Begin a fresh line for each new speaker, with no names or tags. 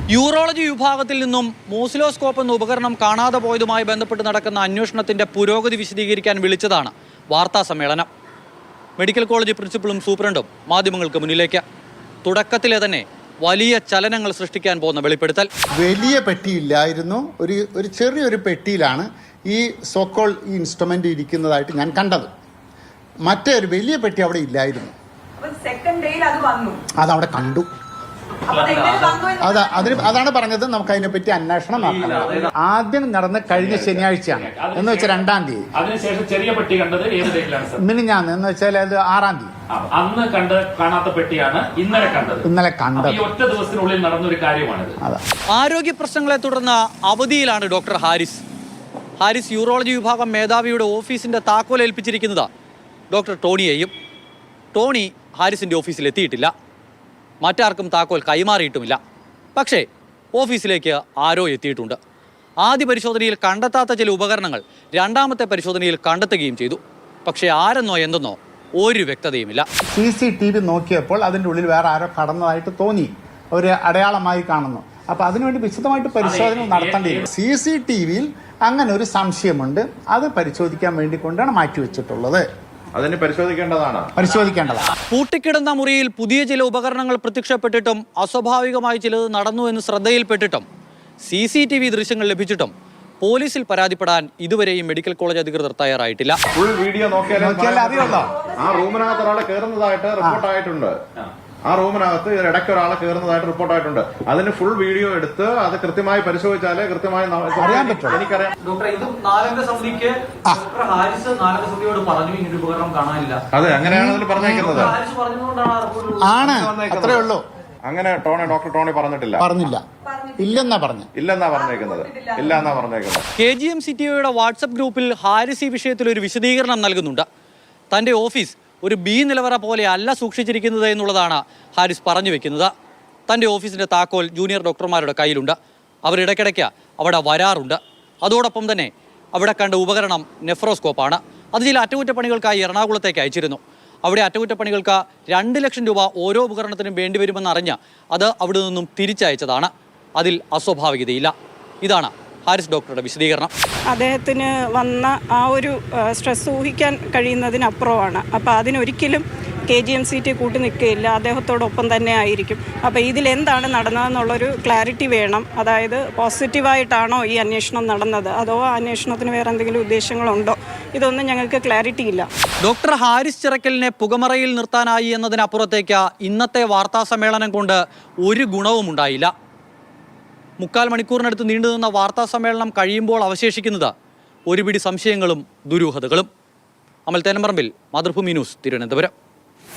Urology വിഭാഗത്തിൽ നിന്നും മോസിലോസ്കോപ്പ് എന്ന ഉപകരണം കാണാതെ പോയതുമായി ബന്ധപ്പെട്ട് നടക്കുന്ന അന്വേഷണത്തിന്റെ പുരോഗതി വിശദീകരിക്കാൻ വിളിച്ചതാണ് വാർത്താ സമ്മേളനം. മെഡിക്കൽ കോളേജ് പ്രിൻസിപ്പളും സൂപ്രണ്ടും മാധ്യമങ്ങൾക്ക് മുന്നിലേക്ക്. തുടക്കത്തിലെ തന്നെ വലിയ ചലനങ്ങൾ സൃഷ്ടിക്കാൻ പോകുന്ന വെളിപ്പെടുത്തൽ.
വലിയ പെട്ടിയില്ലായിരുന്നു, ഒരു ചെറിയൊരു പെട്ടിയിലാണ് ഈ സോക്കോൾ ഈ ഇൻസ്ട്രുമെന്റ് ഇരിക്കുന്നതായിട്ട് ഞാൻ കണ്ടത്. മറ്റേ ഒരു വലിയ പെട്ടി അവിടെ ഇല്ലായിരുന്നു. അതവിടെ കണ്ടു. അതാണ് പറഞ്ഞത്. നമുക്ക് അതിനെപ്പറ്റി അന്വേഷണം നടത്തണം. ആദ്യം നടന്ന കഴിഞ്ഞ ശനിയാഴ്ചയാണ്, എന്ന് വെച്ചാൽ 2-ാം തീയതി.
അതിനുശേഷം ചെറിയ പെട്ടി കണ്ടത് ഏത് ഡേറ്റിലാണ്?
മിനിഞ്ഞാന്ന്, എന്ന് വെച്ചാൽ അത് 6-ാം തീയതി.
അന്ന് കാണാത്ത പെട്ടിയാണ് ഇന്നലെ കണ്ടത്. ഈ ഒറ്റ ദിവസത്തിനുള്ളിൽ നടന്നൊരു കാര്യമാണിത്.
ആരോഗ്യ പ്രശ്നങ്ങളെ തുടർന്ന് അവധിയിലാണ് ഡോക്ടർ ഹാരിസ്. യൂറോളജി വിഭാഗം മേധാവിയുടെ ഓഫീസിന്റെ താക്കോൽ ഏൽപ്പിച്ചിരിക്കുന്നത് ഡോക്ടർ ടോണിയെയും. ടോണി ഹാരിസിന്റെ ഓഫീസിൽ എത്തിയിട്ടില്ല. മറ്റാർക്കും താക്കോൽ കൈമാറിയിട്ടുമില്ല. പക്ഷേ ഓഫീസിലേക്ക് ആരോ എത്തിയിട്ടുണ്ട്. ആദ്യ പരിശോധനയിൽ കണ്ടെത്താത്ത ചില ഉപകരണങ്ങൾ രണ്ടാമത്തെ പരിശോധനയിൽ കണ്ടെത്തുകയും ചെയ്തു. പക്ഷേ ആരെന്നോ എന്തെന്നോ ഒരു വ്യക്തതയുമില്ല.
CCTV നോക്കിയപ്പോൾ അതിൻ്റെ ഉള്ളിൽ വേറെ ആരോ കടന്നതായിട്ട് തോന്നി, ഒരു അടയാളമായി കാണുന്നു. അപ്പോൾ അതിനുവേണ്ടി വിശദമായിട്ട് പരിശോധന നടത്തേണ്ടിയിരുന്നു. CCTVയിൽ അങ്ങനെ ഒരു സംശയമുണ്ട്. അത് പരിശോധിക്കാൻ വേണ്ടി കൊണ്ടാണ് മാറ്റിവെച്ചിട്ടുള്ളത്.
അതിന് പരിശോധിക്കേണ്ടതാണ്.
പൂട്ടിക്കിടന്ന മുറിയിൽ പുതിയ ചില ഉപകരണങ്ങൾ പ്രത്യക്ഷപ്പെട്ടിട്ടും അസ്വാഭാവികമായി ചിലത് നടന്നു എന്ന് ശ്രദ്ധയിൽപ്പെട്ടിട്ടും CCTV ദൃശ്യങ്ങൾ ലഭിച്ചിട്ടും പോലീസിൽ പരാതിപ്പെടാൻ ഇതുവരെയും മെഡിക്കൽ കോളേജ് അധികൃതർ തയ്യാറായിട്ടില്ല.
ഫുൾ വീഡിയോ നോക്കിയാലേ അറിയുള്ളൂ. ആ റൂമിനകത്ത് ഒരാളെ കയറുന്നതായിട്ട് റിപ്പോർട്ടായിട്ടുണ്ട്. ആ റൂമിനകത്ത് ഇടയ്ക്ക് ഒരാളെ കയറുന്നതായിട്ട് റിപ്പോർട്ടായിട്ടുണ്ട്. അതിന് ഫുൾ വീഡിയോ എടുത്ത് അത് കൃത്യമായി പരിശോധിച്ചാലേ കൃത്യമായി അറിയാൻ പറ്റും. എനിക്കറിയാം. അതെ, അങ്ങനെയാണ് അതിൽ പറഞ്ഞേക്കുന്നത്.
ആണ്, അത്രേ ഉള്ളൂ.
അങ്ങനെ ഡോക്ടർ ടോണി പറഞ്ഞില്ല. ഇല്ലെന്നാ പറഞ്ഞേക്കുന്നത്.
KGM-CTOയുടെ വാട്സപ്പ് ഗ്രൂപ്പിൽ ഹാരിസ് ഈ വിഷയത്തിൽ ഒരു വിശദീകരണം നൽകുന്നുണ്ട്. തന്റെ ഓഫീസ് ഒരു B നിലവറ പോലെ അല്ല സൂക്ഷിച്ചിരിക്കുന്നത് എന്നുള്ളതാണ് ഹാരിസ് പറഞ്ഞു വെക്കുന്നത്. തൻ്റെ ഓഫീസിൻ്റെ താക്കോൽ ജൂനിയർ ഡോക്ടർമാരുടെ കയ്യിലുണ്ട്. അവരിടയ്ക്കിടയ്ക്ക് അവിടെ വരാറുണ്ട്. അതോടൊപ്പം തന്നെ അവിടെ കണ്ട ഉപകരണം നെഫ്രോസ്കോപ്പാണ്. അത് ചില അറ്റകുറ്റപ്പണികൾക്കായി എറണാകുളത്തേക്ക് അയച്ചിരുന്നു. അവിടെ അറ്റകുറ്റപ്പണികൾക്ക് 2 ലക്ഷം രൂപ ഓരോ ഉപകരണത്തിനും വേണ്ടിവരുമെന്നറിഞ്ഞ് അത് അവിടെ നിന്നും തിരിച്ചയച്ചതാണ്. അതിൽ അസ്വാഭാവികതയില്ല. ഇതാണ് ഹാരിസ് ഡോക്ടറുടെ വിശദീകരണം.
അദ്ദേഹത്തിന് വന്ന ആ ഒരു സ്ട്രെസ് ഊഹിക്കാൻ കഴിയുന്നതിനപ്പുറമാണ്. അപ്പോൾ അതിനൊരിക്കലും KGM-CT കൂട്ടി നിൽക്കുകയില്ല, അദ്ദേഹത്തോടൊപ്പം തന്നെ ആയിരിക്കും. അപ്പോൾ ഇതിലെന്താണ് നടന്നതെന്നുള്ളൊരു ക്ലാരിറ്റി വേണം. അതായത് പോസിറ്റീവായിട്ടാണോ ഈ അന്വേഷണം നടന്നത്, അതോ അന്വേഷണത്തിന് വേറെ എന്തെങ്കിലും ഉദ്ദേശങ്ങളുണ്ടോ, ഇതൊന്നും ഞങ്ങൾക്ക് ക്ലാരിറ്റി ഇല്ല.
ഡോക്ടർ ഹാരിസ് ചിറക്കലിനെ പുകമറയിൽ നിർത്താനായി എന്നതിനപ്പുറത്തേക്ക് ഇന്നത്തെ വാർത്താ സമ്മേളനം കൊണ്ട് ഒരു ഗുണവും ഉണ്ടായില്ല. 3/4 മണിക്കൂറിനടുത്ത് നീണ്ടുനിന്ന വാർത്താ സമ്മേളനം കഴിയുമ്പോൾ അവശേഷിക്കുന്നത് ഒരുപിടി സംശയങ്ങളും ദുരൂഹതകളും. അമൽ തേനമ്പറമ്പിൽ, മാതൃഭൂമി ന്യൂസ്, തിരുവനന്തപുരം.